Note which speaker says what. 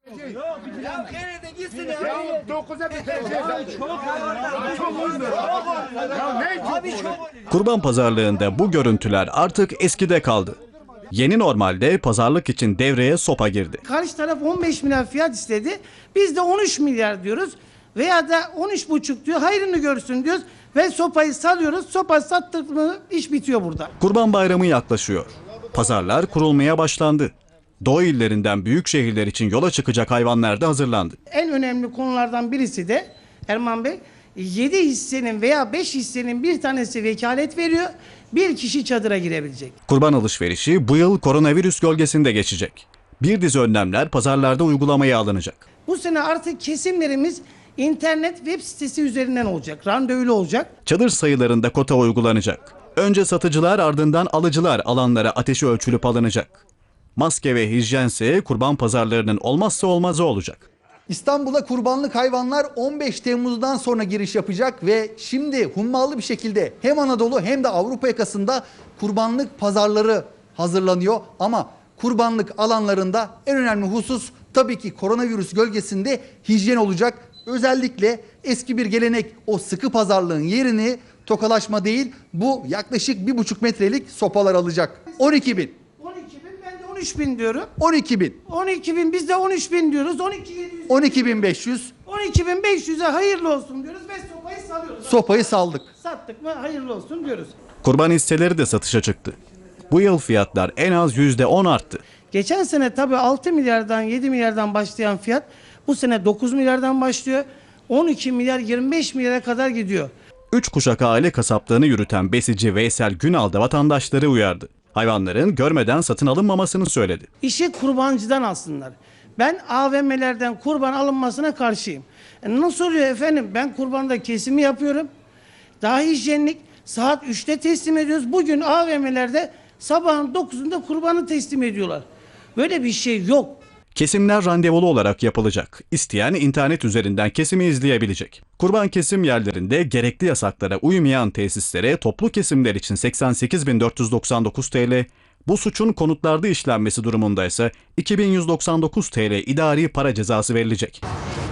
Speaker 1: Ya nerede gitsin ya?
Speaker 2: Ya 9'a bitireceğiz. Çok uzun. Ya ne
Speaker 1: Abi çok
Speaker 3: Kurban pazarlığında bu görüntüler artık eskide kaldı. Yeni normalde pazarlık için devreye sopa girdi.
Speaker 4: Karşı taraf 15 milyar fiyat istedi. Biz de 13 milyar diyoruz. Veya da 13,5 diyor. Hayrını görsün diyoruz. Ve sopayı salıyoruz. Sopa sattık mı iş bitiyor burada.
Speaker 3: Kurban Bayramı yaklaşıyor. Pazarlar kurulmaya başlandı. Doğu illerinden büyük şehirler için yola çıkacak hayvanlar da hazırlandı.
Speaker 4: En önemli konulardan birisi de Erman Bey 7 hissenin veya 5 hissenin bir tanesi vekalet veriyor. Bir kişi çadıra girebilecek.
Speaker 3: Kurban alışverişi bu yıl koronavirüs gölgesinde geçecek. Bir dizi önlemler pazarlarda uygulamaya alınacak.
Speaker 4: Bu sene artık kesimlerimiz internet web sitesi üzerinden olacak. Randevulu olacak.
Speaker 3: Çadır sayılarında kota uygulanacak. Önce satıcılar ardından alıcılar alanlara ateşi ölçülüp alınacak. Maske ve hijyense kurban pazarlarının olmazsa olmazı olacak.
Speaker 5: İstanbul'a kurbanlık hayvanlar 15 Temmuz'dan sonra giriş yapacak ve şimdi hummalı bir şekilde hem Anadolu hem de Avrupa yakasında kurbanlık pazarları hazırlanıyor. Ama kurbanlık alanlarında en önemli husus tabii ki koronavirüs gölgesinde hijyen olacak. Özellikle eski bir gelenek o sıkı pazarlığın yerini tokalaşma değil bu yaklaşık 1,5 metrelik sopalar alacak. 12 bin.
Speaker 4: 12 bin ben de 13 bin diyorum.
Speaker 5: 12 bin.
Speaker 4: 12 bin biz de 13 bin diyoruz. 12.700.
Speaker 5: 12.500.
Speaker 4: 12.500'e hayırlı olsun diyoruz ve sopayı salıyoruz.
Speaker 5: Sopayı saldık.
Speaker 4: Sattık mı hayırlı olsun diyoruz.
Speaker 3: Kurban hisseleri de satışa çıktı. Bu yıl fiyatlar en az %10 arttı.
Speaker 4: Geçen sene tabii 6 milyardan 7 milyardan başlayan fiyat bu sene 9 milyardan başlıyor. 12 milyar 25 milyara kadar gidiyor.
Speaker 3: 3 kuşak aile kasaplığını yürüten besici Veysel Günal da vatandaşları uyardı. Hayvanların görmeden satın alınmamasını söyledi.
Speaker 4: İşi kurbancıdan alsınlar. Ben AVM'lerden kurban alınmasına karşıyım. Nasıl oluyor efendim? Ben kurbanda kesimi yapıyorum. Daha hijyenlik saat 3'te teslim ediyoruz. Bugün AVM'lerde sabahın 9'unda kurbanı teslim ediyorlar. Böyle bir şey yok.
Speaker 3: Kesimler randevulu olarak yapılacak. İsteyen internet üzerinden kesimi izleyebilecek. Kurban kesim yerlerinde gerekli yasaklara uymayan tesislere toplu kesimler için 88.499 TL, bu suçun konutlarda işlenmesi durumunda ise 2.199 TL idari para cezası verilecek.